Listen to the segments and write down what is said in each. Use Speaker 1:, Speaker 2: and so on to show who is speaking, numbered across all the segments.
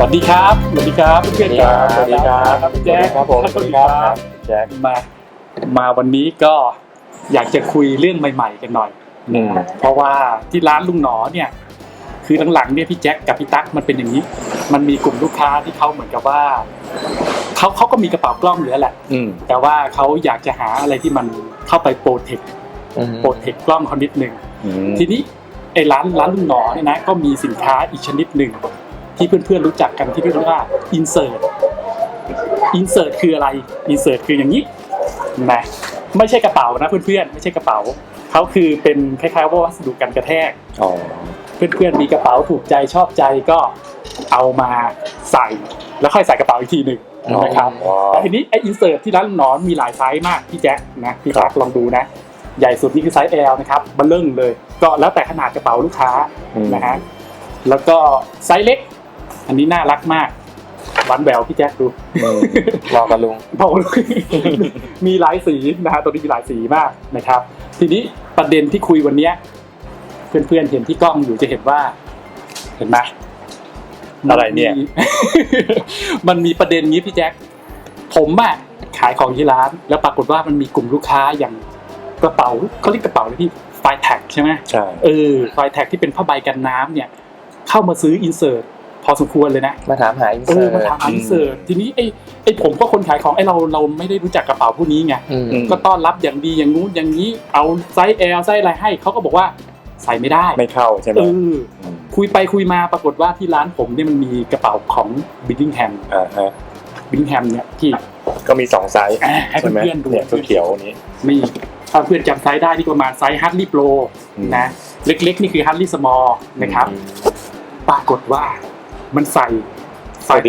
Speaker 1: วัสดีครับเพื่อนๆครับ
Speaker 2: สวัสดีครับ
Speaker 1: แจ็ค
Speaker 2: ครับผมสวัสดีครับแจ็ค
Speaker 1: มาวันนี้ก็อยากจะคุยเรื่องใหม่ๆกันหน่อยเพราะว่าที่ร้านลุงหนอเนี่ยคือหลังๆเนี่ยพี่แจ็คกับพี่ตั๊กมันเป็นอย่างนี้มันมีกลุ่มลูกค้าที่เขาเหมือนกับว่าเขาก็มีกระเป๋ากล้องอยู่แล้วแหละแต่ว่าเขาอยากจะหาอะไรที่มันเข้าไปโปรเทคกล้องเขานิดนึงทีนี้ไอ้ร้านลุงหนอเนี่ยนะก็มีสินค้าอีกชนิดหนึ่งที่เพื่อนๆรู้จักกันที่เรียกว่า insert คืออะไร insert คืออย่างนี้นะไม่ใช่กระเป๋านะเพื่อนๆไม่ใช่กระเป๋าเขาคือเป็นคล้ายๆว่าวัสดุกันกระแทกเพื่อนๆมีกระเป๋าถูกใจชอบใจก็เอามาใส่แล้วค่อยใส่กระเป๋าอีกทีหนึ่งนะครับแต่ทีนี้ไอ้ insert ที่ร้านหนอนมีหลายไซส์มากพี่แจ๊คนะพี่ตั๊กลองดูนะใหญ่สุดนี่คือไซส์ L นะครับเบิ่งเลยก็แล้วแต่ขนาดกระเป๋าลูกค้านะฮะแล้วก็ไซส์เล็กอันนี้น่ารักมากหวานแหววพี่แจ๊คดู
Speaker 2: รอกันลุง
Speaker 1: มีหลายสีนะฮะตัวนี้มีหลายสีมากนะครับทีนี้ประเด็นที่คุยวันนี้เพื่อนๆเห็นที่กล้องอยู่จะเห็นว่าเห็นไหม
Speaker 2: อะไรเนี่ย
Speaker 1: มันมีประเด็นนี้พี่แจ๊คผมอะขายของที่ร้านแล้วปรากฏว่ามันมีกลุ่มลูกค้าอย่างกระเป๋าเขาเรียกกระเป๋าเลยพี่ไฟแท็กใช่ไหม
Speaker 2: ใช่
Speaker 1: ไฟแท็กที่เป็นผ้าใบกันน้ำเนี่ยเข้ามาซื้ออินเสิร์ตพอสมควรเลยนะ
Speaker 2: มาถามหาอินเสิร์ต
Speaker 1: ทีนี้ไอ้ผมก็คนขายของเราไม่ได้รู้จักกระเป๋าพวกนี้ไงก็ต้อนรับอย่างดีอย่างงู้นอย่างนี้เอาไซส์ L ไซส์อะไรให้เขาก็บอกว่าใส่ไม่ได้
Speaker 2: ไม่เข้าใช่ไหม
Speaker 1: คุยไปคุยมาปรากฏว่าที่ร้านผมเนี่ยมันมีกระเป๋าของบิลลิงแฮมเนี่ยที่
Speaker 2: ก็มี2ไซส์
Speaker 1: ให้เพื่อนๆดู
Speaker 2: เนี่ยตัวเขียวนี้
Speaker 1: มีถ้าเพื่อนจำไซส์ได้ที่ประมาณไซส์ฮัตลี่โปรนะเล็กๆนี่คือฮัตลี่สมอลนะครับปรากฏว่ามันใส่พอดี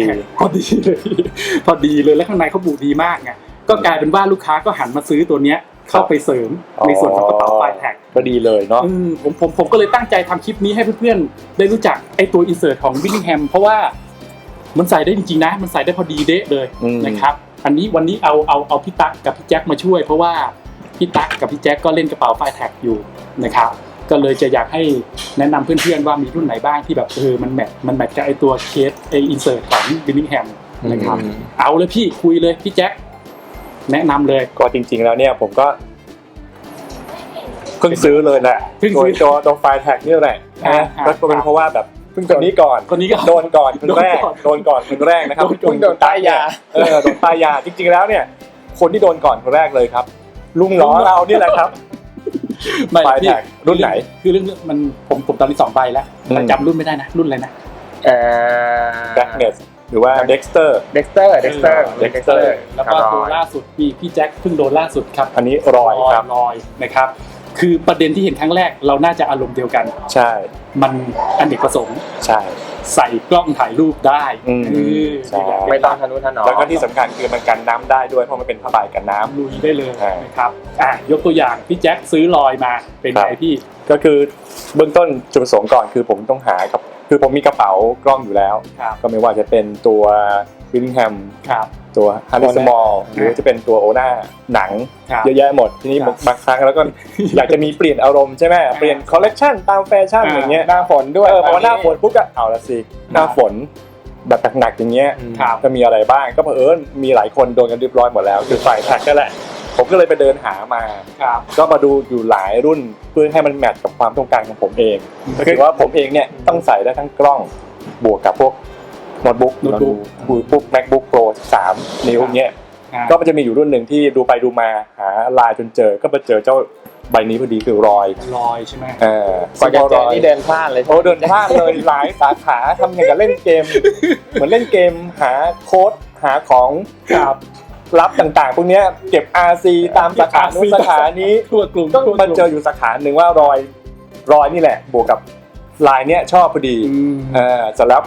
Speaker 1: เลยและข้างในเขาบูดีมากไงก็กลายเป็นว่าลูกค้าก็หันมาซื้อตัวเนี้ยเข้าไปเสริมในส่วนของกระเป๋าไฟแท็ก
Speaker 2: ก็ดีเลยเนาะ
Speaker 1: ผมก็เลยตั้งใจทำคลิปนี้ให้เพื่อนๆได้รู้จักไอ้ตัวอินเสิร์ตของวิลลิงแฮมเพราะว่ามันใส่ได้จริงๆนะมันใส่ได้พอดีเด๊ะเลยนะครับอันนี้วันนี้เอาพี่ตั๊กกับพี่แจ็คมาช่วยเพราะว่าพี่ตั๊กกับพี่แจ็คก็เล่นกระเป๋าไฟแท็กอยู่นะครับก็เลยจะอยากให้แนะนำเพื่อนๆว่ามีรุ่นไหนบ้างที่แบบมันแมทกับไอตัวเคสไออินเสิร์ตของบิลลิงแฮมนะครับเอาเลยพี่คุยเลยพี่แจ็คแนะนำเลย
Speaker 2: ก็จริงๆแล้วเนี่ยผมก็เพิ่งซื้อเลยแหละตัวไฟแท็กนี่แหละก็เป็นเพราะว่าแบบเพิ่งคนนี้ก่อนโดนก่อนคนแรกนะครับโดนป้ายยาโดนป้ายยาจริงๆแล้วเนี่ยคนที่โดนก่อนคนแรกเลยครับลุงหนอเราเนี่ยแหละครับไฟแท็กรุ่นไหน
Speaker 1: คือเรื่องมันผมตอนนี้2ใบแล้วแต่จำรุ่นไม่ได้นะรุ่นอะไรนะ
Speaker 2: แบ็คเนสหรือว่าเด็กสเตอร์
Speaker 1: แล้วก็ตัวล่าสุดพี่แจ็คเพิ่งโดนล่าสุดครับ
Speaker 2: อันนี้รอย
Speaker 1: นะครับคือประเด็นที่เห็นครั้งแรกเราน่าจะอารมณ์เดียวกัน
Speaker 2: ใช่
Speaker 1: มันอเนกประสงค์
Speaker 2: ใช่
Speaker 1: ใส่กล้องถ่ายรูปได้
Speaker 2: ไม่ต้องทะนุถนอมแล้วก็ที่สำคัญคือมันกันน้ำได้ด้วยเพราะมันเป็นผ้าใบกันน้ำ
Speaker 1: ลุยได้เลยนะครับยกตัวอย่างพี่แจ็คซื้อลอยมาเป็นไงพี่
Speaker 2: ก็คือเบื้องต้นจุดประสงค์ก่อนคือผมต้องหากับคือผมมีกระเป๋ากล้องอยู่แล้วก็ไม่ว่าจะเป็นตัววิลลิงแฮมตัวฮันนี่สมอลหรือจะเป็นตัวโอน่าหนังเยอะแยะหมดทีนี้บางครั้งแล้วก็อยากจะมีเปลี่ยนอารมณ์ใช่ไหมเปลี่ยนคอลเลกชันตามแฟชั่นอย่างเงี้ย
Speaker 1: หน้าฝนด้วย
Speaker 2: พอหน้าฝนปุ๊บก็เอาละสิหน้าฝนแบบหนักๆอย่างเงี้ยก็มีอะไรบ้างก็มีหลายคนโดนกันเรียบร้อยหมดแล้วคือไฟแท็กนั่นแหละผมก็เลยไปเดินหามาก็มาดูอยู่หลายรุ่นเพื่อให้มันแมทกับความต้องการของผมเองก็คือว่าผมเองเนี่ยต้องใส่ได้ทั้งกล้องบวกกับพวกโน้ตบุ๊กพวก MacBook Pro 13 นิ้วเงี้ยก็มันจะมีอยู่รุ่นหนึ่งที่ดูไปดูมาหาลายจนเจอก็มาเจอเจ้าใบนี้พอดีคือรอย
Speaker 1: ใช่ไหม
Speaker 2: ก่อนจะเจอนี่เดินพลาดเลยเดินพลาดเลยหลายสาขาทำอย่างกับเล่นเกมเหมือนเล่นเกมหาโค้ดหาของรับต่างๆพวกนี้เก็บ RC ตามสาขานู้นสาขานี้
Speaker 1: ทั่วกลุ่ม
Speaker 2: ก็มาเจออยู่สาขาหนึ่งว่ารอยนี่แหละบวกกับลายเนี้ยชอบพอดีเสร็จแล้ว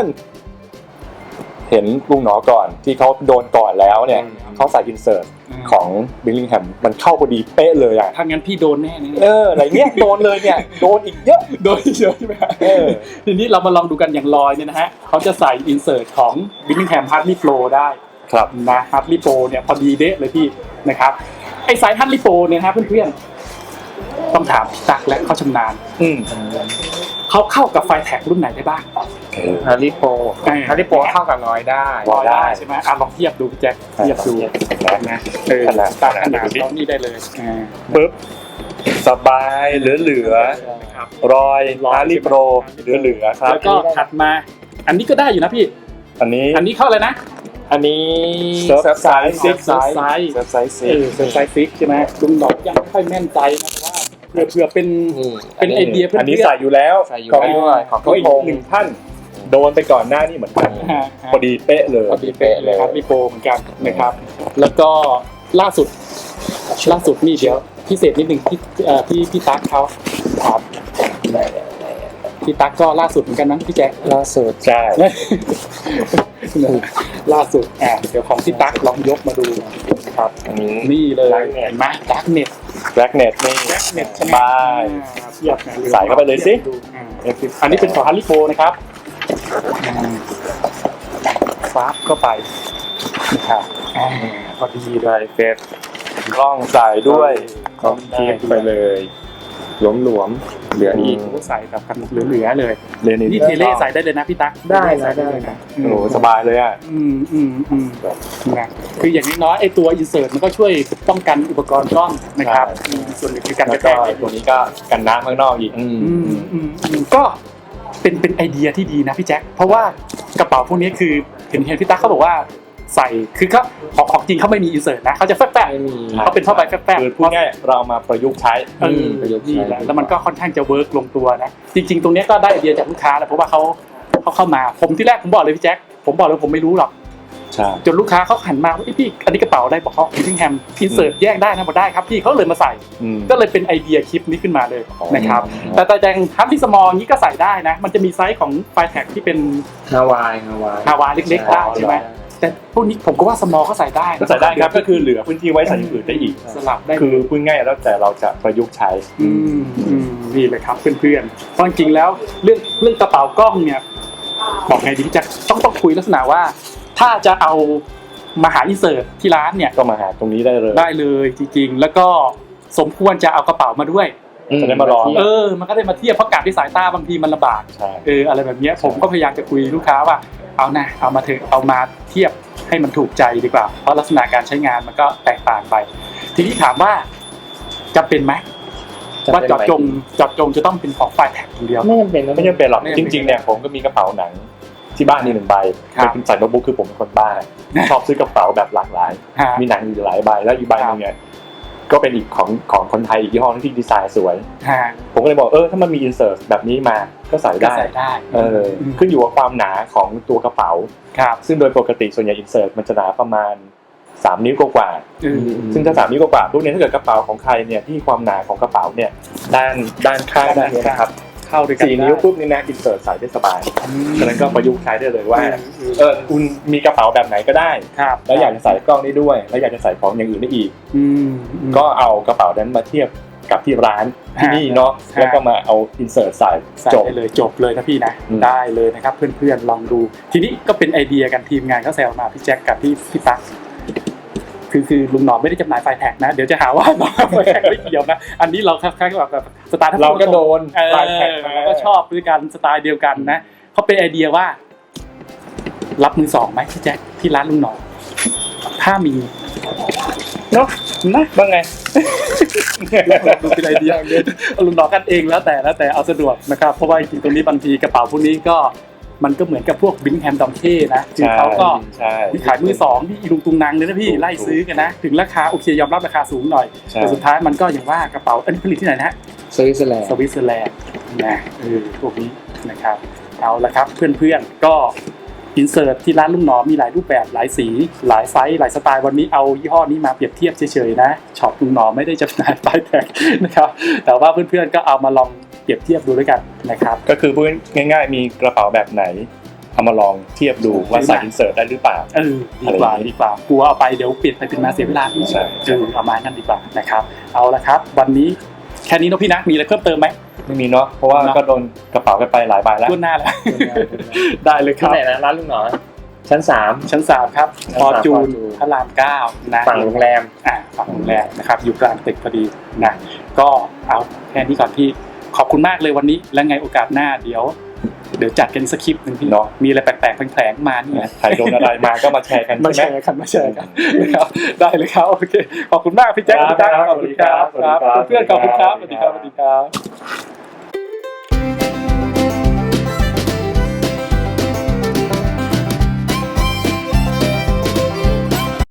Speaker 2: เห็นลุงหนอก่อนที่เขาโดนก่อนแล้วเนี่ยเขาใส่อินเสิร์ตของบิลลิงแฮมมันเข้าพอดีเป๊ะเลยอ่ะ
Speaker 1: ถ้างั้นพี่โดนแน่นี่
Speaker 2: อะไรเงี้ยโดนเลยเนี่ยโดนอีกเยอะ
Speaker 1: ใช่ไหมทีนี้เรามาลองดูกันอย่างลอยเนี่ยนะฮะเขาจะใส่อินเสิร์ตของบิลลิงแฮมฮาร์ดลี่โปรได้นะฮาร์ดลี่โปรเนี่ยพอดีเด๊ะเลยพี่นะครับไอ้สายฮาร์ดลี่โปรเนี่ยนะเพื่อนๆต้องถามพี่ตั๊กและเขาชำนาญเขาเข้ากับไฟแท็กรุ่นไหนได้บ้าง
Speaker 3: ฮาริโปเข้ากับน้อยได้
Speaker 1: พอได้ใช่ไหมลองเทียบดูพี่แจ็คเทียบดูนะตามขนาดเขานี่ได้เลย
Speaker 2: ปึ๊บสบายเหลือรอยฮาริโปรเหลือครับ
Speaker 1: แล้วก็ถัดมาอันนี้ก็ได้อยู่นะพี่อันนี้เข้าเลยนะ
Speaker 3: อันนี้
Speaker 2: เซิร์ฟไซส์
Speaker 1: เซิร์ฟไซส์ใช่ไหมลุงหนอกยังไม่ค่อยแม่นใจนะเพราะว่าเผื่อเป็นไอเดียเพื่อน
Speaker 2: อันนี้ใส่อยู่แล้ว
Speaker 3: ของ
Speaker 2: อีกหนึ่งท่านโดนไปก่อนหน้านี่เหมือนกันพอดีเป๊ะเลย
Speaker 1: ครับมีโปรเหมือนกันนะครับแล้วก็ล่าสุดนี่เดี๋ยวพิเศษนิดนึงพี่ตั๊กเขาครับพี่ตั๊กก็ล่าสุดเหมือนกันนะพี่แจ๊ค
Speaker 3: ล่าสุด
Speaker 2: ใช่
Speaker 1: ล่าสุดเดี๋ยวของพี่ตั๊กลองยกมาดูครับนี่เลยเห็นไหมดักเน็ต
Speaker 2: นี่
Speaker 1: สบาย
Speaker 2: ใส่เข้าไปเลยสิ
Speaker 1: อันนี้เป็นของฮาริโปนะครับฟาบเข้าไปนะครับพอดีเลย
Speaker 2: เฟซกล้องใส่ด้วย
Speaker 3: ก็เทียบไปเลยหลวมเหลืออีก
Speaker 1: ใส่แบบกันเหลือเลยนี่เทเล่ใส่ได้เลยนะพี่ตั๊ก
Speaker 3: ได้นะ
Speaker 2: โอ้สบายเลยอ่ะ
Speaker 1: นะคืออย่างน้อยไอตัวอินเสิร์ตมันก็ช่วยป้องกันอุปกรณ์กล้องนะครับส่วนหนึ่งคือการกระแทก
Speaker 2: ตัวนี้ก็กันน้ำข้างนอกอีก
Speaker 1: ก็เป็นไอเดียที่ดีนะพี่แจ็คเพราะว่ากระเป๋าพวกนี้คือเห็นพี่ตั๊กเขาบอกว่าใส่คือเขาของจริงเขาไม่มีอินเสิร์ตนะเขาจะแฝงเขาเป็นผ้าใบแฝง
Speaker 2: คือพูดง่ายเรามาประยุกต์ใช้
Speaker 1: นี่แหละแล้วมันก็ค่อนข้างจะเวิร์กลงตัวนะจริงๆตรงนี้ก็ได้ไอเดียจากลูกค้าแหละเพราะว่าเขาเข้ามาผมที่แรกผมบอกเลยพี่แจ็คผมบอกเลยผมไม่รู้หรอกจนลูกค้าเขาหันมาว่าพี่อันนี้กระเป๋าอะไรบอกเขาพิงแฮมอินเสิร์ตแยกได้นะบอกได้ครับพี่เขาเลยมาใส่ก็เลยเป็นไอเดียคลิปนี้ขึ้นมาเลยนะครับแต่แดงทับที่สมอลนี้ก็ใส่ได้นะมันจะมีไซส์ของไฟแท็กที่เป็น
Speaker 3: ฮาว
Speaker 1: ายเล็กๆได้ใช่ไหมแต่พวกนี้ผมก็ว่าสมอลก็ใส่ได้
Speaker 2: ครับก็คือเหลือพื้นที่ไว้ใส่อย่างอื่นได้อีก
Speaker 1: สลับได้
Speaker 2: คือพูดง่ายแล้วแต่เราจะประยุกต์ใช้
Speaker 1: นี่เลยครับเพื่อนๆเพราะจริงๆแล้วเรื่องกระเป๋ากล้องเนี่ยบอกไงดีจะต้องคุยลักษณะว่าถ้าจะเอามาหาอินเสิร์ตที่ร้านเนี่ย
Speaker 2: ก็มาหาตรงนี้ได้
Speaker 1: เลยจริงๆแล้วก็สมควรจะเอากระเป๋ามาด้วย
Speaker 2: จะได้มาลอง
Speaker 1: มันก็ได้มาเทียบเพราะการที่สายตาบางทีมันลำบากอะไรแบบนี้ผมก็พยายามจะคุยลูกค้าว่าเอามาเถอะเอามาเทียบให้มันถูกใจดีกว่าเพราะลักษณะการใช้งานมันก็แตกต่างไปทีนี้ถามว่าจำเป็นไหมว่าจอดจงจะต้องเป็นของไฟแท็กอย่างเดียว
Speaker 2: ไม่จำเป็นหรอกจริงๆเนี่ยผมก็มีกระเป๋าหนังที่บ้านนี่1ใบเป็นใส่โน้ตบุ๊กคือผมเป็นคนบ้าชอบซื้อกระเป๋าแบบหลากหลายมีหนังอยู่หลายใบแล้วอีกใบนึงเนี่ยก็เป็นอีกของคนไทยอีกยี่ห้อนึงที่ดีไซน์สวยผมก็เลยบอกถ้ามันมีอินเสิร์ตแบบนี้มาก็ใส่ได้ขึ้นอยู่กับความหนาของตัวกระเป๋าซึ่งโดยปกติส่วนใหญ่อินเสิร์ตมันจะหนาประมาณ3 นิ้วกว่าซึ่งถ้า3 นิ้วกว่าพวกนี้ถ้าเกิดกระเป๋าของใครเนี่ยที่ความหนาของกระเป๋าเนี่ยด้านข้างด้านนี้นะครับ4 นิ้วปุ๊บนี่นะอินเสิร์ตใส่ได้สบายฉะนั้นก็ประยุกต์ใช้ได้เลยว่าคุณมีกระเป๋าแบบไหนก็ได้แล้วอยากจะใส่กล้องได้ด้วยแล้วอยากจะใส่ของอย่างอื่นได้อีกก็เอากระเป๋านั้นมาเทียบกับที่ร้านที่นี่เนาะแล้วก็มาเอาอินเสิร์ตใส่
Speaker 1: จบเลยนะพี่นะได้เลยนะครับเพื่อนๆลองดูทีนี้ก็เป็นไอเดียกันทีมงานก็แซวมาพี่แจ็คกับพี่ตั๊กคือลุงหนอมไม่ได้จำหน่ายไฟแท็กนะเดี๋ยวจะหาว่าหนอมไฟแท็กไม่เกี่ยวนะอันนี้เราคล้ายๆแบบสไตล์
Speaker 2: เราก็โดนไฟแท็ก
Speaker 1: เราก็ชอบด้วยกันสไตล์เดียวกันนะเขาเป็นไอเดียว่ารับมือ2ไหมพี่แจ็คที่ร้านลุงหนอมถ้ามีเนาะนะบ้างไงดูเป็นไอเดียลุงหนอมกันเองแล้วแต่เอาสะดวกนะครับเพราะว่าจริงๆตรงนี้บางทีกระเป๋าพวกนี้ก็มันก็เหมือนกับพวกบิงแฮมดอมเช่นะคือเขาก็ขายมือ2ที่อีลุงตุงนางเลยนะพี่ไล่ซื้อกันนะถึงราคาโอเคยอมรับราคาสูงหน่อยแต่สุดท้ายมันก็อย่างว่ากระเป๋าอันนี้ผลิตที่ไหนนะ
Speaker 3: สวิตเซอร์แลนด์
Speaker 1: นะพวกนี้นะครับเอาละครับเพื่อนๆก็อินเสิร์ตที่ร้านลุงหนอมมีหลายรูปแบบหลายสีหลายไซส์หลายสไตล์วันนี้เอายี่ห้อนี้มาเปรียบเทียบเฉยๆนะช็อปลุงหนอมไม่ได้จำหน่ายป้ายแท็กนะครับแต่ว่าเพื่อนๆก็เอามาลองเปรียบเทียบดูด้วยกันนะครับ
Speaker 2: ก็คือพูดง่ายๆมีกระเป๋าแบบไหนเอามาลองเทียบดูว่าใส่อินเสิร์ตได้หรือเปล่า
Speaker 1: ดีกว่ากลัวเอาไปเดี๋ยวเปลี่ยนไปเป็นมาเสียเวลาเอามานั่นดีกว่านะครับเอาละครับวันนี้แค่นี้เนาะพี่นะมีอะไรเพิ่มเติมไหม
Speaker 2: ไม่มีเนาะเพราะว่าก็โดนกระเป๋ากันไปหลายใบแล้ว
Speaker 1: ทุ่นหน้าแล้วได้เลยครับ
Speaker 3: ที่ไหนนะร้านลุงหนอชั้น3
Speaker 1: ครับพอจูนพระราม9นะ
Speaker 3: ฝั่งโรงแรม
Speaker 1: ฝั่งโรงแรมนะครับอยู่กลางตึกพอดีนะก็เอาแค่นี้ก่อนพี่ขอบคุณมากเลยวันนี้แล้วไงโอกาสหน้าเดี๋ยวเดี๋ยวจัดกันสคริปต์หนึ่งพี่
Speaker 2: เนาะ
Speaker 1: มีอะไรแปลกๆแผลงๆมานี่นะ
Speaker 2: ใครโดนอะไรมาก็มาแชร์กัน
Speaker 1: มา
Speaker 2: ใช่
Speaker 1: แช
Speaker 2: ไหม
Speaker 1: ร์กันนะครับได้เลยครับโอเคขอบคุณมากพี่แจ็ค
Speaker 2: ครับ
Speaker 1: พี่ตั๊กขอบคุณครับ
Speaker 2: สวัสดีครับ
Speaker 1: เพื่อนๆขอบคุณครับสวัสดีครับ